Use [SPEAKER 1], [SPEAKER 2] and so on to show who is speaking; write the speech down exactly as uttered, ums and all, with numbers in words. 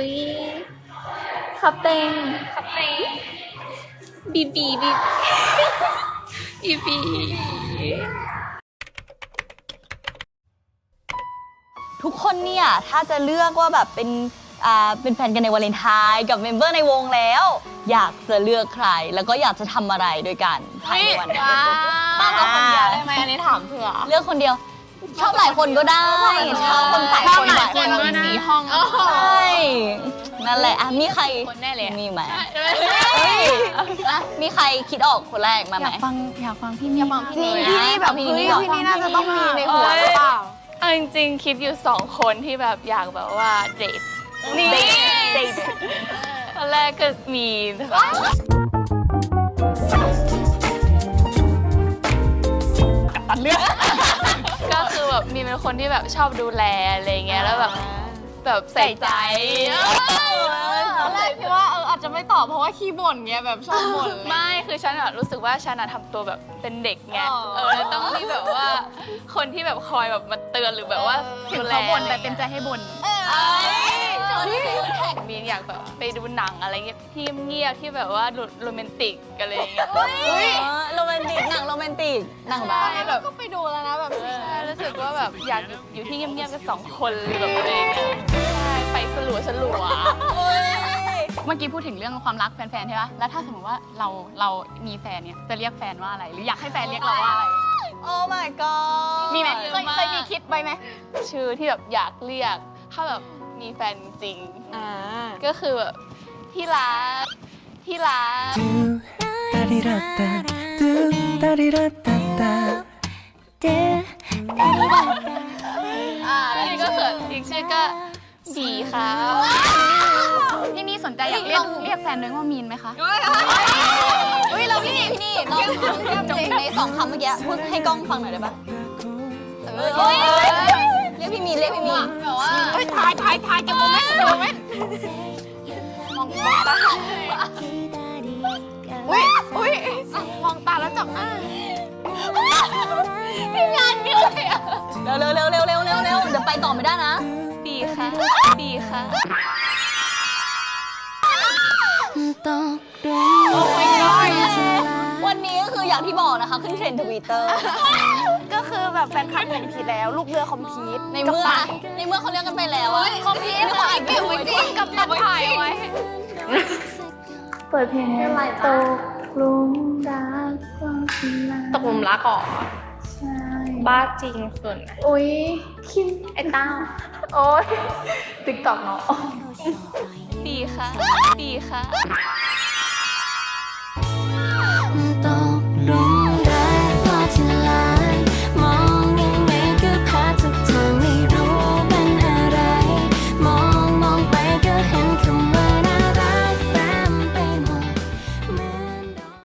[SPEAKER 1] ยขับเต็งขับเต็งบีบีบีบีบี
[SPEAKER 2] ทุกคนเนี่ยถ้าจะเลือกว่าแบบเป็นอ่าเป็นแฟนกันในวาเลนไทน์กับเมมเบอร์ในวงแล้วอยากจะเลือกใครแล้วก็อยากจะทำอะไรด้วยกันภายในวันนั้น
[SPEAKER 1] ป้าเลือกคนเดียวได้ไหมอันนี้ถามเผื่อ
[SPEAKER 2] เลือกคนเดียวชอบหลายคนก็ได้ชอบคนหลายคนหลายคน
[SPEAKER 1] ก็มีห้อง
[SPEAKER 2] ใช่นั่นแหละอ่ะมีใคร
[SPEAKER 1] คนแน่เลย
[SPEAKER 2] มีไหมอ่ะมีใครคิดออกคนแรกมาไหม
[SPEAKER 1] อยากฟังอยากฟังพี่นี่ฟังพี่
[SPEAKER 2] จริง
[SPEAKER 1] นี่
[SPEAKER 2] พี่นี่แบบ
[SPEAKER 1] พี่
[SPEAKER 2] พี่
[SPEAKER 1] นี่
[SPEAKER 2] นี่
[SPEAKER 1] พี่นี่น่าจะต้องมีในหัวหรือเปล่า
[SPEAKER 3] เอาจริงๆคิดอยู่สองคนที่แบบอยากแบบว่าเดท
[SPEAKER 2] นี่
[SPEAKER 3] เดทตอนแรกก็มีนะคะตัดเลือกก็คือแบบมีเป็นคนที่แบบชอบดูแลอะไรเงี้ยแล้วแบบแบบใส่ใจ
[SPEAKER 1] ตอนแรกคิดว่าเอออาจจะไม่ตอบเพราะว่าขี้บ่นเงี้ยแบบชอบบ่น
[SPEAKER 3] ไม่คือฉันอะรู้สึกว่าฉันอะทำตัวแบบเป็นเด็กไงเออแล้วต้องมีแบบว่าคนที่แบบคอยแบบมาเตือนหรือแบบว่า
[SPEAKER 1] ถึงเขาบ่นแต่เต็มใจให้บ่น
[SPEAKER 3] มีอยากแบบไปดูหนังอะไรเงี้ยที่เงียบที่แบบว่าโรแมนติกอะไรอย่างเงี้ย
[SPEAKER 2] โรแมนติกหนังโรแมนติกหนังบ้า
[SPEAKER 3] ใช่แบบ
[SPEAKER 1] ก็ไปดูแล้วนะแบบ
[SPEAKER 3] ใช่รู้สึกว่าแบบอยากอยู่อยู่ที่เงียบๆกันสองคนแบบอะไรอย่างเงี้ยใช่ไปสลัวสลัว
[SPEAKER 1] เมื่อกี้พูดถึงเรื่องความรักแฟนๆใช่ปะแล้วถ้าสมมติว่าเราเรามีแฟนเนี่ยจะเรียกแฟนว่าอะไรหรืออยากให้แฟนเรียกเราว่าอะไร
[SPEAKER 2] โอ้ my god
[SPEAKER 1] มีไหมเคยเคยมีคิดไว้ไหม
[SPEAKER 3] ชื่อที่แบบอยากเรียกถ้าแบบมีแฟนจริง
[SPEAKER 1] อ่า
[SPEAKER 3] ก็คือแบบที่รักที่รัก
[SPEAKER 4] ダリラッタドゥダリラッタッタ
[SPEAKER 3] อ่าแล้วนี่ก็เขินอีกชื่อก็บีค่ะ
[SPEAKER 1] พี่นี่สนใจอยากเรียกเรียกแฟนด้วยว่ามีนไหมคะ
[SPEAKER 2] เฮ้ยเราพี่นี่พี่นี่เราจำในสองคำเมื่อกี้พูดให้กล้องฟังหน่อยได้ปะเฮ้ยเรียกพี่มีนเรียกพี่มีนแบบว่า
[SPEAKER 1] เฮ้ยถ่ายถ่ายถ่ายเก็บโมเมนต์เก็บโมเมนต์มองมองตาอุ้ยอุ้ยมองตาแล้วจับหน้า
[SPEAKER 3] พี่งานเยอะเลยอะ
[SPEAKER 2] เร็วเร็วเร็วเร็วเร็วเร็วเร็วเดี๋ยวไปต่อไม่ได้นะ
[SPEAKER 3] บีค่ะบีค่ะ
[SPEAKER 2] วันนี้ก็คืออย่างที่บอกนะคะขึ้นเทรนด์ทวิตเตอร์
[SPEAKER 1] ก็คือแบบแฟนคลับคอมพีทแล้วลูกเรือคอมพีท
[SPEAKER 2] ในเมื่อในเมื่อเขาเรียกกันไปแล้วอะ
[SPEAKER 1] คอมพีทถ่ายเก็บไว้ดิกับตัดถ่ายไว้
[SPEAKER 5] เปิดเพลงให้ไหลตกหลุมรักความคิดลา
[SPEAKER 1] ตกหลุมรักอ๋อ
[SPEAKER 5] ใช่
[SPEAKER 1] บ้าจริงส่วน
[SPEAKER 5] อุ้ยคิม
[SPEAKER 1] ไอ้เต้าโอ๊ยติ๊กต็อกเนาะ
[SPEAKER 3] บีค่ะบีค่ะ